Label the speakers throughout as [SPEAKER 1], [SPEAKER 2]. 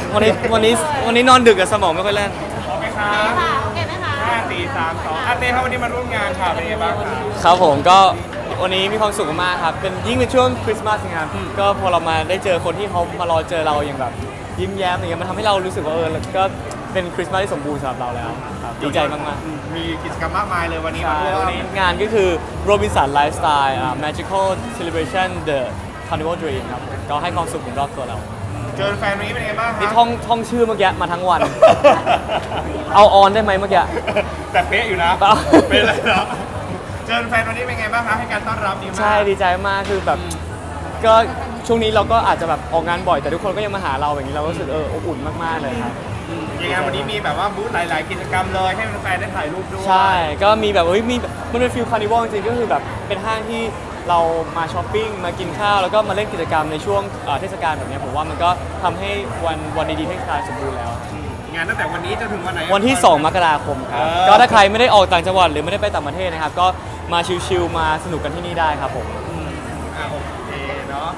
[SPEAKER 1] วันนี้นอนดึกกับสมองไม่ค่อยแล่น
[SPEAKER 2] โอเคครับ
[SPEAKER 3] โอเคไหมคะ
[SPEAKER 2] 5 4 3 2เต้ครับวันนี้มาร่วมงานค่ะเป็นยังไงบ้างครับ
[SPEAKER 1] ครับผมก็วันนี้มีความสุขมากครับเป็นยิ่งเป็นช่วงคริสต์มาสนะครับก็พอเรามาได้เจอคนที่เขามารอเจอเราอย่างแบบยิ้มแย้มอย่างเงี้ยมันทำให้เรารู้สึกว่าก็เป็นคริสต์มาสที่สมบูรณ์สำหรับเราแล้วครับดีใจมาก
[SPEAKER 2] ๆมีกิจกรรมมากมายเลยวันนี้
[SPEAKER 1] ใช่
[SPEAKER 2] มาร่วม
[SPEAKER 1] วันนี้งานก็คือ Robinson Lifestyle Magical Celebration The Carnival Dream ครับก็ให้ความสุขถึงรอบตัวเรา
[SPEAKER 2] เจอแฟนวันนี้เป็นยังไงบ้างครั
[SPEAKER 1] นี่ท่องชื่อเมื่อกี้มาทั้งวัน เอาออนได้ไหมเมื่อกี้
[SPEAKER 2] แต่เป๊ะอยู่นะเป็นอะไรเนาะเจอแฟนวันนี้เป็นไงบ้างคะให้การต้อนรับดีมาก
[SPEAKER 1] ใช่ดีใจมากคือแบบก็ช่วงนี้เราก็อาจจะแบบออกงานบ่อยแต่ทุกคนก็ยังมาหาเราอย่างนี้เราก็รู้สึกอบอุ่นมากๆเลยครับ
[SPEAKER 2] ยังไงวันนี้มีแบบว่าบูธหลายๆกิจกรรมเลยให้แฟนๆได้ถ่ายรูปด้วย
[SPEAKER 1] ใช่ก็มีแบบมีมันเป็นฟิลคาร์นิวัลจริงๆก็คือแบบเป็นห้างที่เรามาช้อปปิ้งมากินข้าวแล้วก็มาเล่นกิจกรรมในช่วงเทศกาลแบบนี้ผมว่ามันก็ทำให้วันดีๆให้คลายสมบูรณ์แล้ว
[SPEAKER 2] งานตั้งแต่วันนี้จนถึงวันไหน
[SPEAKER 1] วันที่2มกราคมครับก็ถ้าใครไม่ได้ออกต่างจังหวัดหรือไม่ได้ไปต่างประเทศนะครับก็มาชิลๆมาสนุกกันที่นี่ได้ครับผม
[SPEAKER 2] โอเคเนาะ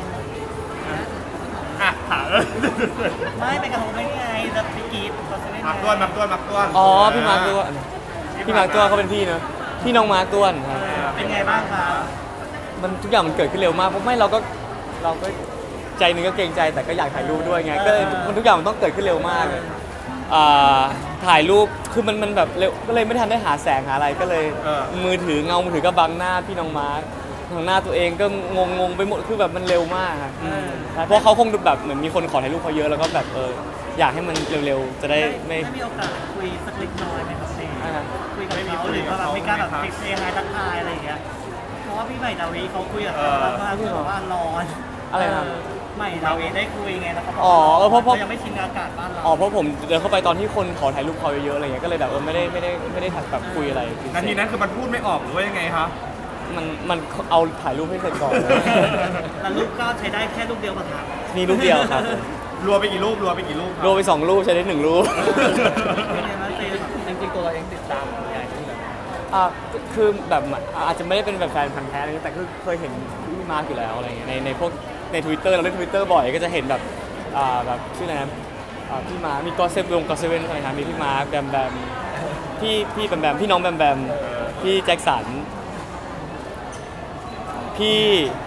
[SPEAKER 2] ถาม
[SPEAKER 4] ไม่ไปกับผมได้ไงจะไปกีด
[SPEAKER 2] มักต้วน
[SPEAKER 1] อ๋อพี่มาร์คต้วนเขาเป็นพี่เนอะพี่น้องมาร์คต้วน
[SPEAKER 4] เป็นไงบ้างครับ
[SPEAKER 1] มันทุกอย่างมันเกิดขึ้นเร็วมากเพราะไม่เราก็ใจนึงก็เกรงใจแต่ก็อยากถ่ายรูปด้วยไงก็มันทุกอย่างมันต้องเกิดขึ้นเร็วมากถ่ายรูปคือมันแบบเร็วก็เลยไม่ทันได้หาแสงหาอะไรก็เลยมือถือก็บังหน้าพี่น้องมาร์คทางหน้าตัวเองก็งงไปหมดคือแบบมันเร็วมากครับเพราะเขาคงแบบเหมือนมีคนขอถ่ายรูปเขาเยอะแล้วก็แบบอยากให้มันเร็วๆจะได้ไม่
[SPEAKER 4] มีโอกาสคุยสักเล็กน้อยไหมครับคุยกับเขาหรือว่าแบบมีการแบบเซ็กทักทายอะไรอย่างเงี้ยเพราะว่าพี่ใหม่ดาวีเขาคุยกับเขามาคือแบบว่าร้อน
[SPEAKER 1] อะไรนะ
[SPEAKER 4] ใหม่ดาวีได้คุยไงแล้วเขา
[SPEAKER 1] เพราะ
[SPEAKER 4] ยังไม่ชินอากาศบ้านเรา
[SPEAKER 1] เพราะผมเดินเข้าไปตอนที่คนขอถ่ายรูปเขาเยอะๆอะไรเงี้ยก็เลยแบบไม่ได้ถ่ายแบบคุยอะไร
[SPEAKER 2] นาทีนั้นคือมันพูดไม่ออกหรือว่ายังไงครับ
[SPEAKER 1] มันเอาถ่ายรูปให้เสร็จก่อน
[SPEAKER 4] แล้วรูปก็ใช้ได้แค่รูปเดียวป่ะครับ
[SPEAKER 1] มีรูปเดียวครับ
[SPEAKER 2] รัวไปกี่รูปรวไป
[SPEAKER 1] 2 รูปใช้ได้1 รูป
[SPEAKER 4] จริงๆตัวเราเองติดตามใหญ่ที่แบบ
[SPEAKER 1] คือแบบอาจจะไม่ได้เป็นแบบแฟนพันธุ์แท้อะไรแต่คือเคยเห็นพี่มาร์กอยู่แล้วอะไรเงี้ยในพวกใน Twitter เราเล่น Twitter บ่อยก็จะเห็นแบบชื่ออะไรนะพี่มาร์มีก็เซเว่นอะไรนะมีพี่มาร์กแบมพี่แบมพี่น้องแบมพี่แจ็คสันพี่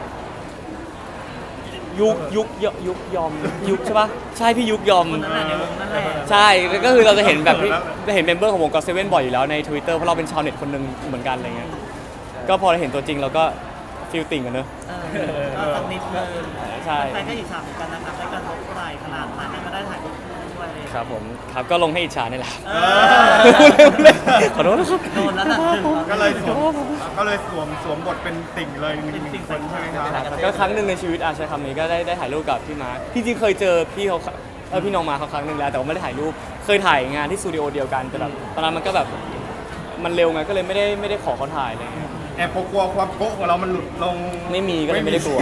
[SPEAKER 1] ยุกยอมใช่ปะใช่พี่ยุกยอมใช่ก็คือเราจะเห็นแบบจะเห็นเมมเบอร์ของวงก็เซเว่นบ่อยอยู่แล้วใน Twitter เพราะเราเป็นชาวเน็ตคนหนึ่งเหมือนกันอะไรเงี้ยก็พอเราเห็นตัวจริงเราก็ฟีลติ่งกันเนอะ
[SPEAKER 4] สักนิดนึง
[SPEAKER 1] ใช่
[SPEAKER 4] ใครก็อิจฉาเหมือนกันนะครับได้การทบไหล่ขนาดนั้นก็ได้ถ่ายรูปด้วยเลย
[SPEAKER 1] ครับผมครับก็ลงให้อิจฉานี่แหละขอโทษนะครับ
[SPEAKER 4] โดนแล้วนะ
[SPEAKER 2] ก็เลยสวมบทเป็นติ่งเลย1 คนใช่ไหมครับ
[SPEAKER 1] ก็ครั้งหนึ่งในชีวิตใช้คำนี้ก็ได้ถ่ายรูปกับพี่มาร์คจริงๆเคยเจอพี่เขาพี่น้องมาเขาครั้งหนึ่งแล้วแต่ว่าไม่ได้ถ่ายรูปเคยถ่ายงานที่สตูดิโอเดียวกันแต่แบบตอนนั้นมันก็แบบมันเร็วไงก็เลยไม่ได้ขอเขาถ่ายเลย
[SPEAKER 2] แอบกลัวความโก๊ะของเรามันหลุดลง
[SPEAKER 1] ไม่มีก็เลยไม่ได้กลัว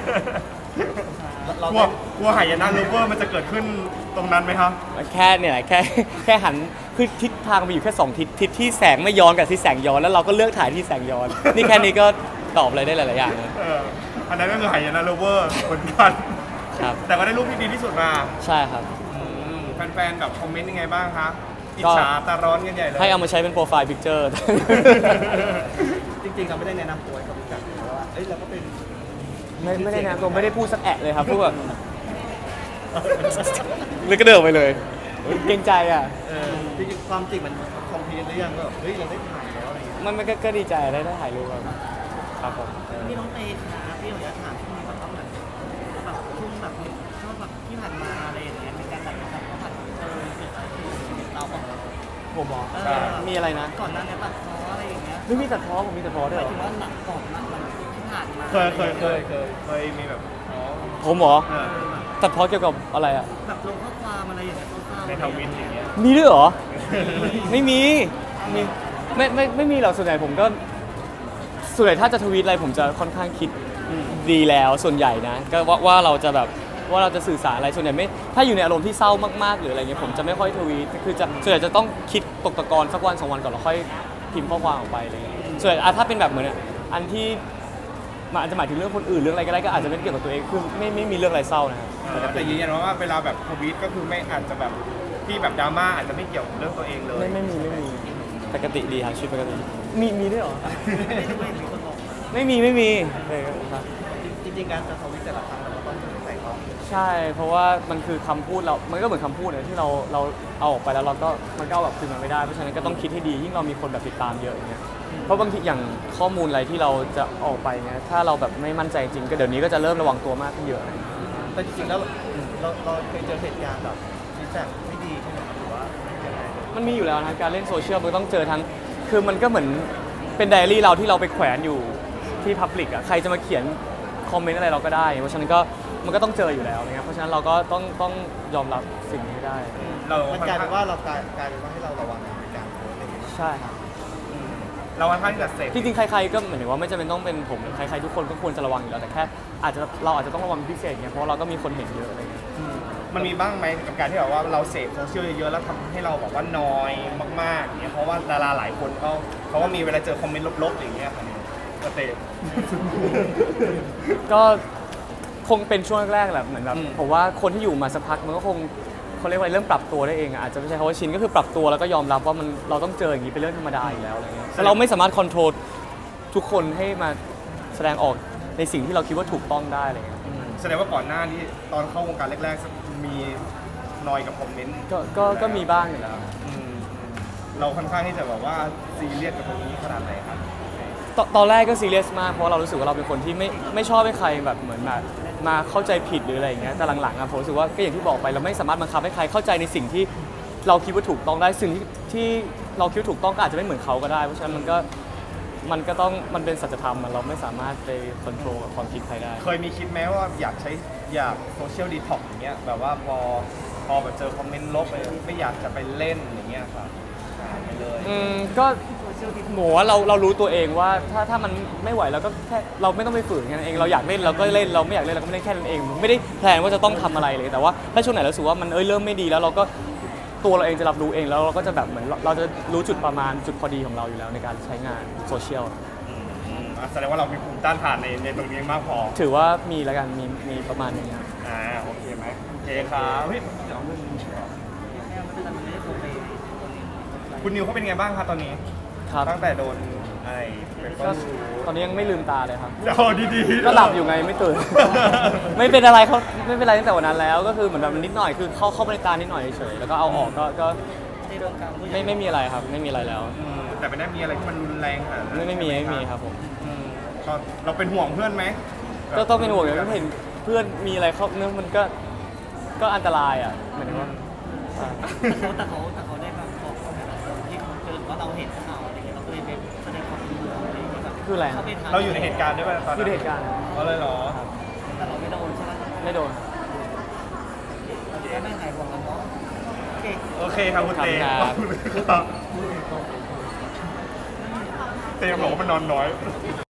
[SPEAKER 2] กลัวหายนะลูเวอร์มันจะเกิดขึ้นตรงนั้นไหมครับ
[SPEAKER 1] แค่เนี่ยแค่หันคือทิศทางมีอยู่แค่2 ทิศที่แสงไม่ย้อนกับที่แสงย้อนแล้วเราก็เลือกถ่ายที่แสงย้อนนี่แค่นี้ก็ตอบอะไรได้หลายๆอย่างเลย
[SPEAKER 2] อันนั้นก็คือหายนะลูเวอร์เหมือนกัน
[SPEAKER 1] ครับ
[SPEAKER 2] แต่ก็ได้รูปที่ดีที่สุดมา
[SPEAKER 1] ใช่ครับ
[SPEAKER 2] แฟนๆแบบคอมเมนต์ยังไงบ้างคะอิจฉาตาร้อนกันใหญ่เลย
[SPEAKER 1] ให้เอามาใช้เป็นโปรไฟล์พิกเจอร์
[SPEAKER 4] จริงๆเราไม่ได้แนะนำตัวกับพี่จักรเพราะว่าเราก็เป็น
[SPEAKER 1] ไม่ได้นะผมไม่ได้พูดสักแอะเลยครับพูดแบบเลยก็เดินไปเลยเกรงใจอ่ะ
[SPEAKER 4] จริงๆความจริงมันคอมพลีทหรือยังก็เฮ้ยเราได้ถ่ายแล้วอะไรอย่างเงี้ย
[SPEAKER 1] มันก็ดีใจได้ถ่ายรูปครับผม
[SPEAKER 4] พี่น้องเตค่ะพี่อยากถามช่วงนี้แบบช่วงแบบช่วงแบบที่ผ่านมาอะไรอย่างเงี้ยมีการแบบเขาผ่านเกิดอะไรขึ้นเรา
[SPEAKER 1] ผมบอกมีอะไรนะ
[SPEAKER 4] ก่อนหน้านี้ตัดพ้ออะไรอย่างเงี้ย
[SPEAKER 1] ไม่มีตัดพ้อผมมีตัดพ้อด้วยหรอ
[SPEAKER 4] ถึงว่าหนักก่อนหนักที่ผ่านมา
[SPEAKER 2] เคยมีแบบ
[SPEAKER 1] ผมเหรอตัดพ้อเกี่ยวกับอะไรอ่ะ
[SPEAKER 4] แบบลงข้อความอะไรอย่างเงี้ย
[SPEAKER 2] ในทวิตอย่างเงี้ย
[SPEAKER 1] มีด้วยเหรอไม่มีไม่มีหรอกส่วนใหญ่ผมก็ส่วนใหญ่ถ้าจะทวีตอะไรผมจะค่อนข้างคิดดีแล้วส่วนใหญ่นะก็ว่าเราจะแบบว่าเราจะสื่อสารอะไรส่วนใหญ่ไม่ถ้าอยู่ในอารมณ์ที่เศร้ามากๆหรืออะไรเงี้ยผมจะไม่ค่อยทวีตคือจะส่วนใหญ่จะต้องคิดตกตะกอนสักวัน 2 วันก่อนแล้วค่อยพิมพ์ข้อความออกไปอะไรเงี้ยส่วนถ้าเป็นแบบเหมือนอันที่มันอาจจะหมายถึงเรื่องคนอื่นเรื่องอะไรก็ได้ก็อาจจะไม่ได้เกี่ยวกับตัวเองคือไม่มีเรื่องอะไรเศร้านะครับ
[SPEAKER 2] แต่ยืนยันว่าเวลาแบบทวีตก็คือไม่อาจจะแบบที่แบบดราม่าอาจจะไม่เกี่ยวกับเรื่องตัวเองเลย
[SPEAKER 1] ไม่มีปกติดีครับชีวิตปกติมีด้วยเหรอ
[SPEAKER 4] ไม่ได้ด้วยมีคนบอก
[SPEAKER 1] ไม่มีเลยครับ
[SPEAKER 4] จริงๆการจะทวิตแต่ละครั้งเราต้องใส่ต้อง
[SPEAKER 1] ใช่เพราะว่ามันคือคำพูดเรา มันก็เหมือนคำพูดเนี่ยที่เราเอาออกไปแล้วเราก็มันก็เอาแบบคืนมันไม่ได้เพราะฉะนั้นก็ต้องคิดให้ดียิ่งเรามีคนแบบติดตามเยอะอย่างเงี้ยเพราะบางทีอย่างข้อมูลอะไรที่เราจะออกไปเนี่ยถ้าเราแบบไม่มั่นใจจริงก็เดี๋ยวนี้ก็จะเริ่มระวังตัวมากขึ้นเยอะ
[SPEAKER 4] แต่จริงๆแล้วเราเคยเจอเหตุการณ์แบบฟีดแบ็กไม่ดีใช่ไหมหรือว่ายังไง
[SPEAKER 1] มันมีอยู่แล้วนะการเล่นโซเชียลมันต้องเจอทั้งคือมันก็เหมือนเป็นไดอารี่เราที่เราไปแขวนอยู่ที่พับลิกอ่ะใครจะมาเขียนคอมเมนต์อะไรเราก็ได้เพราะฉะนั้นก็มันก็ต้องเจออยู่แล้วนะครับเพราะฉะนั้นเราก็ต้องยอมรับสิ่งนี้ให้ได้
[SPEAKER 4] มันกลายเป็นว่าเรากลายเป็นว่าให้เราระวังในการโพสต์อะไรอย่างเงี้ย
[SPEAKER 1] ใช่ครับ
[SPEAKER 2] เราค่อนข้างที่จะเสพ
[SPEAKER 1] จริงๆใครๆก็เหมือนว่าไม่จำเป็นต้องเป็นผมใครๆทุกคนก็ควรจะระวังอยู่แล้วแต่แค่เราอาจจะต้องระวังเป็นพิเศษเนี่ยเพราะเราก็มีคนเห็นเยอะอะไรเงี้ย
[SPEAKER 2] มันมีบ้างไหมกับการที่แบบว่าเราเสพโซเชียลเยอะๆแล้วทำให้เราแบบว่านอยมากๆอย่างเงี้ยเพราะว่าดาราหลายคนเขาก็มีเวลาเจอคอมเมนต์ลบๆอย่างเงี้ยค่ะก็เตะ
[SPEAKER 1] ก็คงเป็นช่วงแรกๆแหละเหมือนแบบ
[SPEAKER 2] อืม
[SPEAKER 1] ผมว่าคนที่อยู่มาสักพักมันก็คงเขาเรียกว่าเริ่มปรับตัวได้เองอะอาจจะไม่ใช่คำว่าชินก็คือปรับตัวแล้วก็ยอมรับว่ามันเราต้องเจออย่างนี้เป็นเรื่องธรรมดาอยู่แล้วอะไรเงี้ยแต่เราไม่สามารถคอนโทรลทุกคนให้มาแสดงออกในสิ่งที่เราคิดว่าถูกต้องได้อะไรเงี้ย
[SPEAKER 2] แสดงว่าก่อนหน้านี้ตอนเข้าวงการแรกๆมีนอยกับคอมเมนต์
[SPEAKER 1] ก็มีบ้างอยู่แล้ว
[SPEAKER 2] เราค่อนข้างที่จะแบบว่าซีเรียสกับตรงนี้ขนาดไหนครับ
[SPEAKER 1] ตอนแรกก็ซีเรียสมากเพราะเรารู้สึกว่าเราเป็นคนที่ไม่ชอบให้ใครแบบเหมือนแบบมาเข้าใจผิดหรืออะไรอย่างเงี้ยแต่หลังๆอะผมรู้สึกว่าก็อย่างที่บอกไปเราไม่สามารถบังคับให้ใครเข้าใจในสิ่งที่เราคิดว่าถูกต้องได้สิ่งที่เราคิดว่าถูกต้องก็อาจจะไม่เหมือนเขาก็ได้เพราะฉะนั้นมันก็ต้องมันเป็นสัจธรรมอะเราไม่สามารถไปควบคุมความคิดใครได้
[SPEAKER 2] เคยมีคิดไหมว่าอยากโซเชียลดีท็อกอย่างเงี้ยแบบว่าพอแบบเจอคอมเมนต์ลบไม่อยากจะไปเล่นอย่างเงี้ยครับหายไปเลย
[SPEAKER 1] ก็หมูว่าเรารู้ตัวเองว่าถ้ามันไม่ไหวเราก็แค่เราไม่ต้องไปฝืนแค่นั้นเองเราอยากเล่นเราก็เล่นเราไม่อยากเล่นเราก็ไม่เล่นแค่นั้นเองไม่ได้แพลนว่าจะต้องทำอะไรเลยแต่ว่าถ้าช่วงไหนเรารู้สึกว่ามันเริ่มไม่ดีแล้วเราก็ตัวเราเองจะรับรู้เองแล้วเราก็จะแบบเหมือนเราจะรู้จุดประมาณจุดพอดีของเราอยู่แล้วในการใช้งานโซเชียล
[SPEAKER 2] แสดงว่าเรามีภูมิต้านทานในตรงนี้มากพอ
[SPEAKER 1] ถือว่ามีแล้วกันมีประมาณนึงครับ
[SPEAKER 2] โอเคไหมโอเคครับเฮ้ยเดี๋ยวเอาเรื่องนี้ก่อน
[SPEAKER 4] มันไม่ได้โพสต์ไป
[SPEAKER 2] คุณนิวเขาเป็นไงบ้างครับตอนนี้
[SPEAKER 1] ครับ
[SPEAKER 2] ตั้งแต่โดนไอ้เป็น
[SPEAKER 1] ก็ตอนนี้ยังไม่ลืมตาเลยครับ
[SPEAKER 2] เดี๋ยวดีๆ
[SPEAKER 1] ก็หลับอยู่ไงไม่ตื่น ไม่เป็นอะไรเขาไม่เป็นไรตั้งแต่วันนั้นแล้วก็คือเหมือนแบบนิดหน่อยคือเข้าไปในตานิดหน่อยเฉยๆแล้วก็เอาออกก็
[SPEAKER 4] ในวงการผู้ใหญ่
[SPEAKER 1] ไม่มีอะไรครับไม่มีอะไรแล้ว
[SPEAKER 2] แต่ไม่ได้มีอะไรที่มันรุนแรงขนาดนั้น
[SPEAKER 1] ไม่มีครับผม
[SPEAKER 2] ก็เราเป็นห่วงเพื่อนไหม
[SPEAKER 1] ก็ต้องเป็นห่วงอย่างที่เห็นเพื่อนมีอะไรเขาเนื้อมันก็อันตรายอ่ะเหมือนว่าใช่
[SPEAKER 4] แต่เขาได้แบบบอกที่เขาเจอว่าเราเห็นข่าวอะไรอย่างเงี้ยเราก็เลยไปแสดงความเป็นห่วงอะไรอย่างเงี้ยแบบ
[SPEAKER 1] คืออะไร
[SPEAKER 4] เขาไปทำ
[SPEAKER 2] เราอยู่ในเหตุการณ์ด้วยป่ะตอน
[SPEAKER 1] อยู่
[SPEAKER 2] นั้น
[SPEAKER 1] ในเหตุการณ์
[SPEAKER 2] ก็เลยเหรอ
[SPEAKER 4] แต่เราไม่โดนใช่ไหม
[SPEAKER 1] ไม่โดน
[SPEAKER 4] ก็ไม่หายห่วงกันเนาะโอเค
[SPEAKER 2] โอเคครับคุณเต้
[SPEAKER 1] ครับ
[SPEAKER 2] เต้บอกว่ามันนอนน้อย